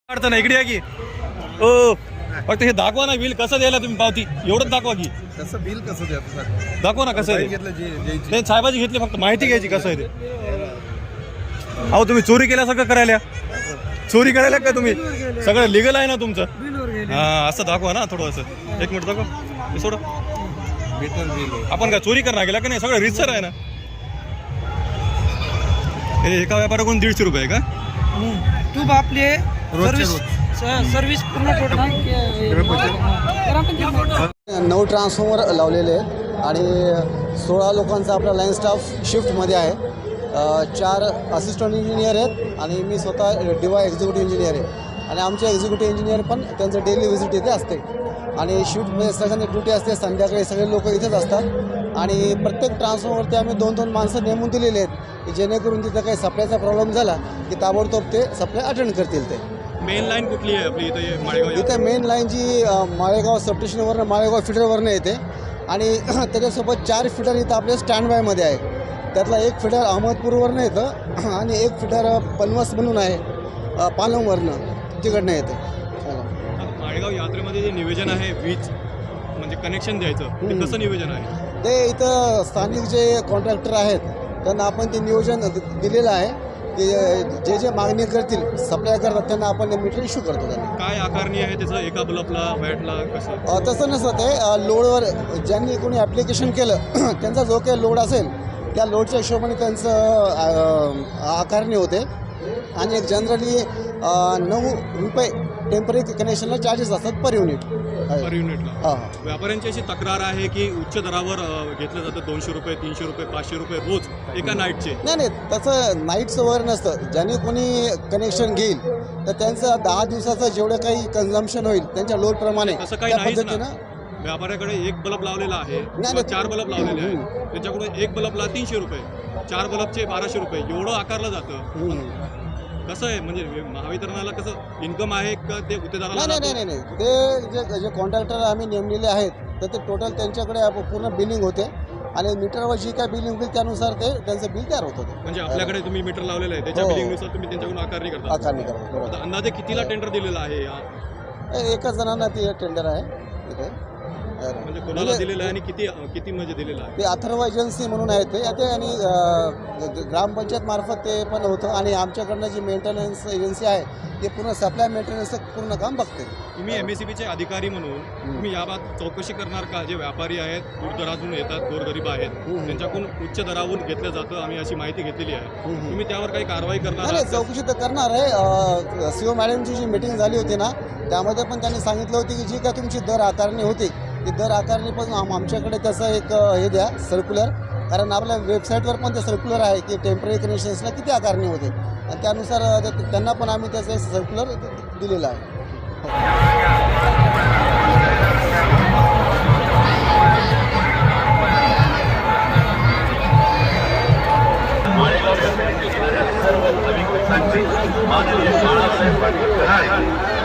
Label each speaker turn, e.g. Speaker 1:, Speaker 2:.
Speaker 1: अडचण आहे, इकडे या की ओ फक्त हे दाखवा ना बिल कसं द्यायला तुम्ही पावती एवढंच दाखवा की
Speaker 2: कसं बिल कसं द्यायचं
Speaker 1: दाखवा ना कसं आहे
Speaker 2: घेतलं जे
Speaker 1: ते साहेबाची घेतली फक्त माहिती घ्यायची कसं आहे ते. अहो तुम्ही चोरी केल्यासारखं करायला चोरी करायला का तुम्ही सगळं लिगल आहे ना तुमचं हा असं दाखवा ना थोडं असं एक मिनिट दाखवा हे सोडा
Speaker 2: मीटर बिल
Speaker 1: आपण काय चोरी करणार गेला का नाही सगळं रितसर आहे ना. हे एका व्यापाराकडून 150 रुपये आहे का
Speaker 3: तू आपले सर्व्हिस पूर्ण टोटल
Speaker 4: 9 ट्रान्सफॉर्मर लावलेले आहेत आणि 16 लोकांचा आपला लाईन स्टाफ शिफ्टमध्ये आहे. 4 असिस्टंट इंजिनियर आहेत आणि मी स्वतः DY एक्झिक्युटिव्ह इंजिनियर आहे आणि आमचे एक्झिक्युटिव्ह इंजिनियर पण त्यांचं डेली व्हिजिट इथे असते आणि शिफ्टमध्ये सगळ्यांची ड्युटी असते. संध्याकाळी सगळे लोक इथेच असतात आणि प्रत्येक ट्रान्सफॉर्मरवरती आम्ही 2-2 माणसं नेमून दिलेले आहेत की जेणेकरून तिथं काही सप्लायचा प्रॉब्लेम झाला की ताबडतोब ते सप्लाय अटेंड करतील. ते
Speaker 1: मेन लाईन कुठली आहे आपली इथं माळेगाव
Speaker 4: इथे मेन लाईन जी माळेगाव सबस्टेशनवरनं माळेगाव फिडरवरनं येते आणि त्याच्यासोबत 4 फिडर इथं आपल्या स्टँड बायमध्ये आहे. त्यातला एक फिडर अहमदपूरवरनं येतं आणि एक फिडर पनवस म्हणून आहे पालमवरनं तिकडनं येते.
Speaker 1: माळेगाव यात्रेमध्ये जे नियोजन आहे वीज म्हणजे कनेक्शन द्यायचं ते कसं नियोजन आहे
Speaker 4: ते इथं स्थानिक जे कॉन्ट्रॅक्टर आहेत त्यांना आपण ते नियोजन दिलेलं आहे की जे जे मागणी करतील सप्लाय करतात त्यांना आपण मीटर इश्यू करतो. त्यांना
Speaker 1: काय आकारणी आहे त्याचं एका बल्बला वॅटला कसं
Speaker 4: तसं नसतं ते लोडवर ज्यांनी कोणी ॲप्लिकेशन केलं त्यांचा जो काही लोड असेल त्या लोडच्या हिशोबाने त्यांचं आकारणी होते आणि एक जनरली 9 रुपये टेम्पररी कनेक्शनला चार्जेस असतात पर युनिट.
Speaker 1: पर युनिटला
Speaker 4: हां
Speaker 1: व्यापाऱ्यांची अशी तक्रार आहे की उच्च दरावर घेतलं जातं 200 रुपये 300 रुपये 500 रुपये रोज एका नाईटचे.
Speaker 4: नाही तसं नाईटचं वगैरे नसतं. ज्याने कोणी कनेक्शन घेईल तर त्यांचं 10 दिवसाचं जेवढं काही कन्झम्पशन होईल त्यांच्या लोडप्रमाणे
Speaker 1: तसं काही
Speaker 4: त्या
Speaker 1: नाहीच
Speaker 4: पद्धतीनं.
Speaker 1: ना. व्यापाऱ्याकडे एक बल्ब लावलेला आहे
Speaker 4: नाही.
Speaker 1: किंवा 4 बल्ब लावलेले आहेत त्याच्याकडून एक बल्बला 300 रुपये 4 बल्बचे 1200 रुपये एवढं आकारलं जातं. कसं आहे म्हणजे महावितरणाला कसं इन्कम आहे का ते गुत्तेदाराला
Speaker 4: नाही ते जे कॉन्ट्रॅक्टर आम्ही नेमलेले आहेत तर ते टोटल त्यांच्याकडे पूर्ण बिलिंग होते आणि मीटरवर जी काय बिलिंग होईल त्यानुसार ते त्यांचं बिल तयार होतं.
Speaker 1: म्हणजे आपल्याकडे तुम्ही मीटर लावलेलं आहे त्याच्या बिलिंगनुसार तुम्ही त्यांच्याकडून आकारणी करता.
Speaker 4: आकारणी करतो.
Speaker 1: आता अंदाजे कितीला टेंडर दिलेला आहे
Speaker 4: एकच जणांना ते टेंडर आहे इथे.
Speaker 1: म्हणजे कोणाला दिलेलं आहे आणि किती म्हणजे दिलेलं आहे
Speaker 4: ते अथर्व एजन्सी म्हणून आहे ते आणि ग्रामपंचायत मार्फत ते पण होतं आणि आमच्याकडनं जी मेंटेनन्स एजन्सी आहे ते पूर्ण सप्लाय मेंटेनन्सचं पूर्ण काम बघते.
Speaker 1: तुम्ही MSCBचे अधिकारी म्हणून तुम्ही याबाबत चौकशी करणार का? जे व्यापारी आहेत दूरदरातून येतात गोरगरीब आहेत त्यांच्याकडून उच्च दरावरून घेतलं जातं आम्ही अशी माहिती घेतलेली आहे. तुम्ही त्यावर काही कारवाई करणार?
Speaker 4: नाही चौकशी तर करणार आहे. CO मॅडमची जी मिटिंग झाली होती ना त्यामध्ये पण त्यांनी सांगितलं होती की जी काय तुमची दर आकारणी होती ती दर आकारणी पण आमच्याकडे त्याचं एक हे द्या सर्क्युलर. कारण आपल्या वेबसाईटवर पण ते सर्क्युलर आहे की टेम्पररी कनेक्शन्सला किती आकारणी होते आणि त्यानुसार त्यांना पण आम्ही त्याचं एक सर्क्युलर दिलेलं आहे.
Speaker 5: सर्व नागरिकांची माननीय बाळासाहेब पाटील